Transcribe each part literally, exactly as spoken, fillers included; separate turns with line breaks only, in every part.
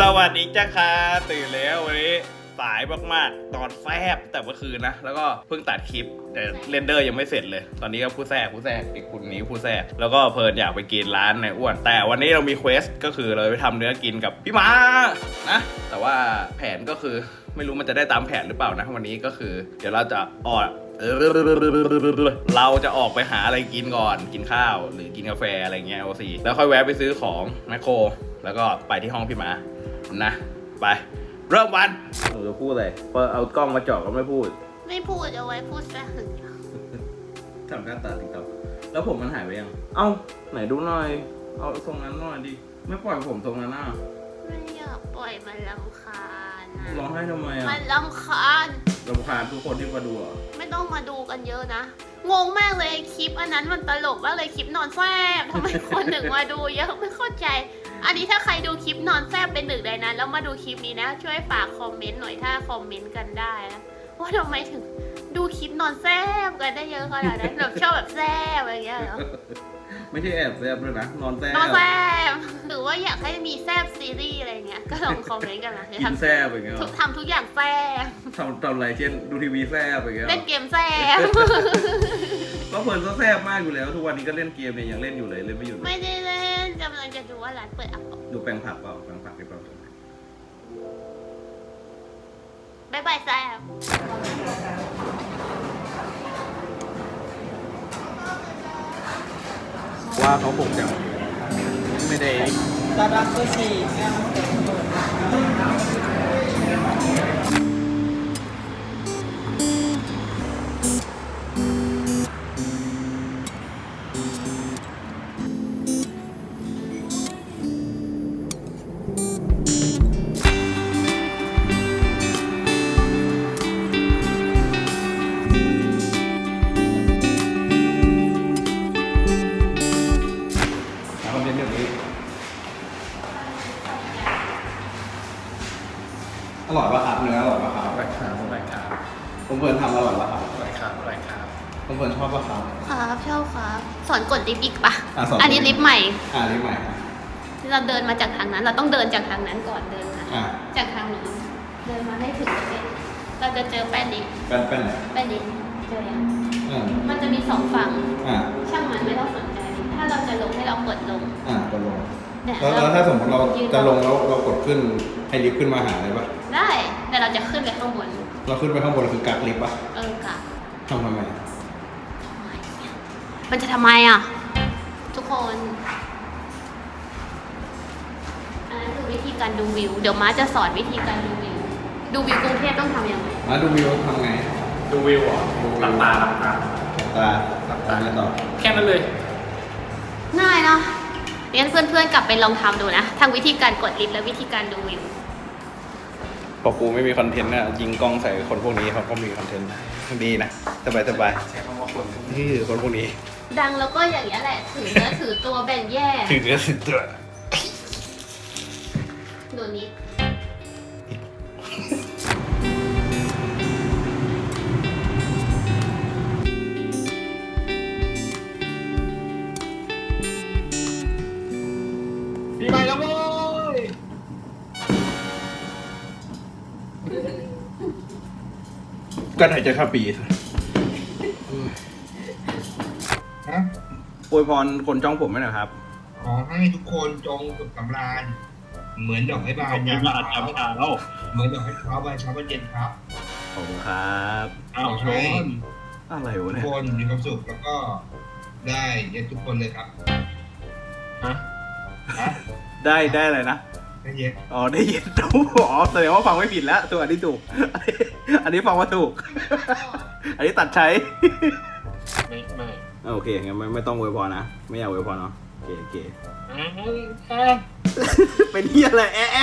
วัสดีจ้าค่ะตื่นแล้ววันนี้สายมากๆตอนแฟบแต่เมื่อคืนนะแล้วก็เพิ่งตัดคลิปแต่เรนเดอร์ยังไม่เสร็จเลยตอนนี้ก็ผู้แทรกผู้แทรกอีกคนนี้ผู้แทรกแล้วก็เพลินอยากไปกินร้านในอ้วนแต่วันนี้เรามีเควสก็คือเราไปทำเนื้อกินกับพี่ม้านะแต่ว่าแผนก็คือไม่รู้มันจะได้ตามแผนหรือเปล่านะวันนี้ก็คือเดี๋ยวเราจะออกเราจะออกไปหาอะไรกินก่อนกินข้าวหรือกินกาแฟอะไรเงี้ยโอซีแล้วค่อยแวะไปซื้อของแมคโครแล้วก็ไปที่ห้องพี่ม้านะไปเริ่มวันหนูจะพูดอะไรพอเอากล้องมาจ่อก็ไม่พูด
ไม่พูดเอาไว้พูดซะหึง
ทำหน้าตาติ๊กต๊อกแล้วผมมันหายไปยังเอ้าไหนดูหน่อยเอาทรงนั้นหน่อยดิไม่ปล่อยผมทรงนั้นน่ะ
ไม่อยากปล่อยมันรำคาญนะ
ร้องไห้ทำไมอ่ะ
มันรำคาญ
รำคาญทุกคนที่มาดูอ่ะ
ไม่ต้องมาดูกันเยอะนะงงมากเลยคลิปอันนั้นมันตลกมากเลยคลิปนอนแซบทำไมคนหนึ่งมาดูเยอะไม่เข้าใจอันนี้ถ้าใครดูคลิปนอนแซบเป็นหนึ่งในนั้นแล้วมาดูคลิปนี้นะช่วยฝากคอมเมนต์หน่อยถ้าคอมเมนต์กันได้นะว่าทำไมถึงดูคลิปนอนแซบกันได้เยอะขนาดนั้นแบบชอบแบบแซบอะไรอย่างเงี้ยเหรอ
ไม่ใช่แอบแซบด้วยนะนอนแซบ
นอนแซบหรือว่าอยากให้มีแซบซีรีส์อะไรเงี้ยก็ลองคอมเมนต์กันนะ
กินแซบอย่างเงี้ย
ทำทุกอย่างแซบ
ทำทำอะไรเช่นดูทีวีแซบอย่างเงี้ย
เล่นเกมแซบ
ก็เพลินก็แซบมากอยู่แล้วทุกวันนี้ก็เล่นเกมเนี่ยยังเล่นอยู่เลยเล่นไม่หยุด
ไม่ได้เล่นกำลังจะดูว่าร้านเปิดอัป
ดูแปลงผักเปล่าแปลงผักหรือเปล่า
บายบายแซบ
ว่าเขาปลุกจังไม่ได้
ตาดักก็สี่
อร่อยป่ะครับเนื้ออร่อยป่ะครับ
อร่อยครับอร่อยครับ
ผมเพื่อนทำอร่อยป่ะครับ
อร่อยครับอร่อยครับ
ผมเพื่อนชอบป่ะครับ
ครับชอบครับสอนกดลิฟต์อีกปะ
อ่ะสอน
อันนี้ลิฟต์ใหม่
อ่าลิฟต์ใหม่ครับ
เราเดินมาจากทางนั้นเราต้องเดินจากทางนั้นก่อนเดินมา
อ่า
จากทางนี้เดินมาให้ถึงตรงนี้เราจะเจอแป้นลิฟต์
แป้นแป้นไหน
แป้นลิฟต์เจอยัง
อืม
มันจะมีสองฝั่ง
อ่า
ช่างมันไม่ต้องสนใจถ้าเราจะลงให้เรากดลง
อ่ากดลง
เนี่ย
แล้วแล้วถ้าสมมติเราจะลงแล้วเรากดขึ้นให้ลิฟต์ขึ้นมาหาเลยป่ะ
ได้แต่เราจะขึ้นไปข้างบน
เราขึ้นไปข้างบนคือกักลิฟต์ป่ะ
เออกะ
ทำทำไม
มันจะทำไมอ่ะทุกคนอันนั้นคือวิธีการดูวิวเดี๋ยวม้าจะสอนวิธีการดูวิวดูวิวกรุงเทพต้องทำยังไง
มาดูวิวทำไง
ดูวิวอ่ะหลับตาหลับตา
ตาหลับตาแล้วต่อ
แค่นั้นเลย
ง่ายเนาะงั้นเพื่อนๆกลับไปลองทำดูนะทั้งวิธีการกดลิฟต์และวิธีการดูวิว
พอกูไม่มีคอนเทนต์น่ะยิงกล้องใส่คนพวกนี้เขาก็มีคอนเทนต์ดีนะสบายสบาย
ใช้คำว่าคน
นี่คือคนพวกนี้
ดังแล้วก็อย่างนี้แหละถือเนื้อถือตัวแบ่งแยก
ถือเนื้อถือตัว
ดูนี้
ปีใหม่แล้วโว้ย
ก็ไหนจะข้าปี
ฮะ
อวยพรคนจ้องผมไหมนะครับ
ขอให้ทุกคนจงสุขสำราญเหมือนดอกไม้บานยามเช้าแล้วเหมือนดอกไม้เช้าบานเช้าบานเย็นครับ
ขอบคุณครับ
อ้าวชน
อะไรวะ
เนี่ยทุกคนมีความสุขแล้วก็ได้เย็นทุกคนเลยครับฮะฮะ
ได้ได้อะไรนะ
ได้เย็น
อ๋อได้เย็นถูกอ๋อแสดงว่าฟังไม่ผิดแล้วตัวอันนี้ถูกอันนี้ฟังว่าถูกอันนี้ตัดใช้
ไม่ไม่
โอเคงั้นไม่ไม่ต้องอวยพรนะไม่อยากอวยพรเนาะโอเคโอเคเป็นเหี้ยอะไรแอะ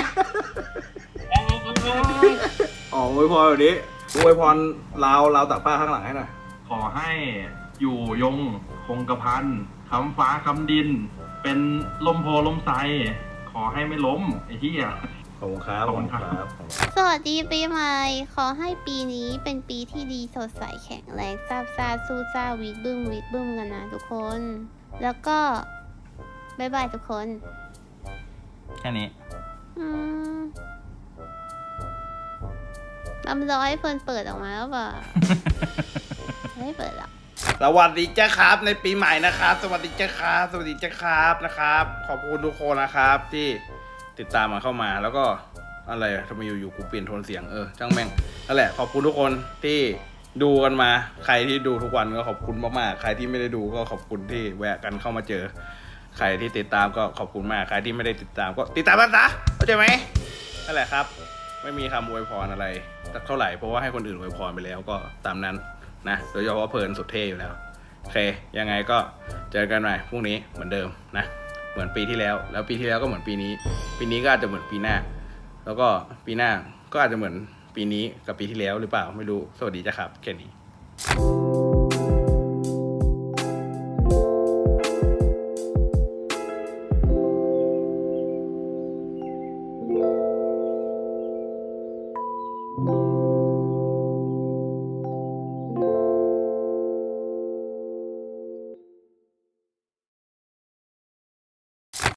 อ๋ออวยพรแบบนี้อวยพรลาวลาวตักผ้าข้างหลังให้หน่อย
ขอให้อยู่ยงคงกระพันคำฟ้าคำดินเป็นลมโพลมไทรขอให้ไม่ล้มไอ้ที่อ่ะ
ขอบคุณครับขอบคุณครับ
สวัสดีปีใหม่ขอให้ปีนี้เป็นปีที่ดีสดใสแข็งแรงซาบซ่าสู้ซ่าวิกบึ้มวิกบึ้มกันนะทุกคนแล้วก็บ๊ายบายทุกคน
แค่นี้
อืมลำรอให้เฟิร์นเปิดออกมาแล้วเปล่า ไม่เปิดหรอก
สวัสดีเจ้าครับในปีใหม่นะครับ สวัสดีเจ้าครับสวัสดีเจ้าครับนะครับ ขอบคุณทุกคนนะครับที่ติดตามมาเข้ามาแล้วก็อะไรอะทำไมอยู่ๆกูเปลี่ยนโทนเสียงเออช่างแม่งนั่นแหละขอบคุณทุกคนที่ดูกันมาใครที่ดูทุกวันก็ขอบคุณมากๆใครที่ไม่ได้ดูก็ขอบคุณที่แวะกันเข้ามาเจอใครที่ติดตามก็ขอบคุณมากใครที่ไม่ได้ติดตามก็ติดตามกันซะเข้าใจไหมนั่นแหละครับไม่มีคำอวยพรอะไรสักเท่าไหร่เพราะว่าให้คนอื่นอวยพรไปแล้วก็ตามนั้นนะโดยเฉพาะเพลินสุดเท่อยู่แล้วโอเคยังไงก็เจอกันใหม่พรุ่งนี้เหมือนเดิมนะเหมือนปีที่แล้วแล้วปีที่แล้วก็เหมือนปีนี้ปีนี้ก็อาจจะเหมือนปีหน้าแล้วก็ปีหน้าก็อาจจะเหมือนปีนี้กับปีที่แล้วหรือเปล่าไม่รู้สวัสดีจ้ะครับแค่นี้